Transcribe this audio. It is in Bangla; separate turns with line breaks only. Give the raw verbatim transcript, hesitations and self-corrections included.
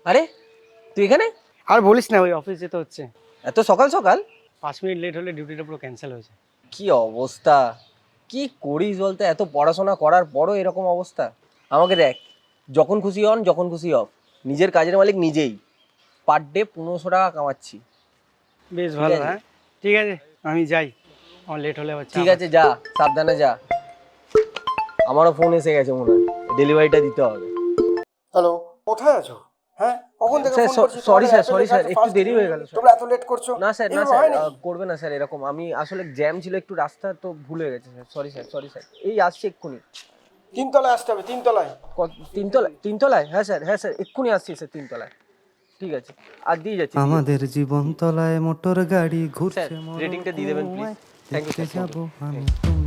আরে তুই এখানে?
আর বলিস না, ওই অফিস যেতে হচ্ছে।
এত সকাল সকাল?
পাঁচ মিনিট লেট হলে ডিউটিটা পুরো ক্যান্সেল হয়েছে।
কি অবস্থা! কি করিস বলতে? এত পড়াশোনা করার পরও এরকম অবস্থা। আমাকে দেখ, যখন খুশি অন, যখন খুশি অফ। নিজের কাজের মালিক নিজেই। পার ডে পনেরোশো টাকা কামাচ্ছি।
বেশ
ঠিক
ভালো।
আছে।
হ্যাঁ ঠিক আছে, আমি যাই, আমার লেট হলে আবার চাপ
ঠিক আছে, যা, সাবধানে যা। আমারও ফোন এসে গেছে মনে হয়, ডেলিভারিটা দিতে হবে।
হ্যালো, কোথায় আছো? হ্যাঁ, কখন থেকে
স্যার
ফোন করছি?
সরি
তোমাদের
স্যার,
অ্যাপে
সরি
লেখা
স্যার,
আছে
একটু
ফার্স্ট
দেরি হয়ে গেল
ডেলিভারি,
স্যার।
তোমরা এত লেট করছো।
না স্যার, না
এভাবে
স্যার,
হয় নাকি?
আহ, করবে না স্যার এরকম। আমি আসলে জ্যাম ছিল একটু, রাস্তা তো ভুল হয়ে গেছে sir. Sorry sir, sorry sir, এই আসছি এক্ষুনি।
তিনতলায় আসতে হবে, তিনতলায়।
কত- তিনতলায়? তিনতলায়? হ্যাঁ স্যার, হ্যাঁ স্যার, এক্ষুনি আসছি স্যার তিনতলায়। ঠিক আছে, আর দিয়ে যাচ্ছি, দিয়ে
আমাদের
যাচ্ছি।
জীবন তলায় মোটর গাড়ি
স্যার
ঘুরছে
রেটিংটা দিয়ে দেবেন প্লিজ। থ্যাংক ইউ
দেখতে
স্যার,
যাব আমি তুমি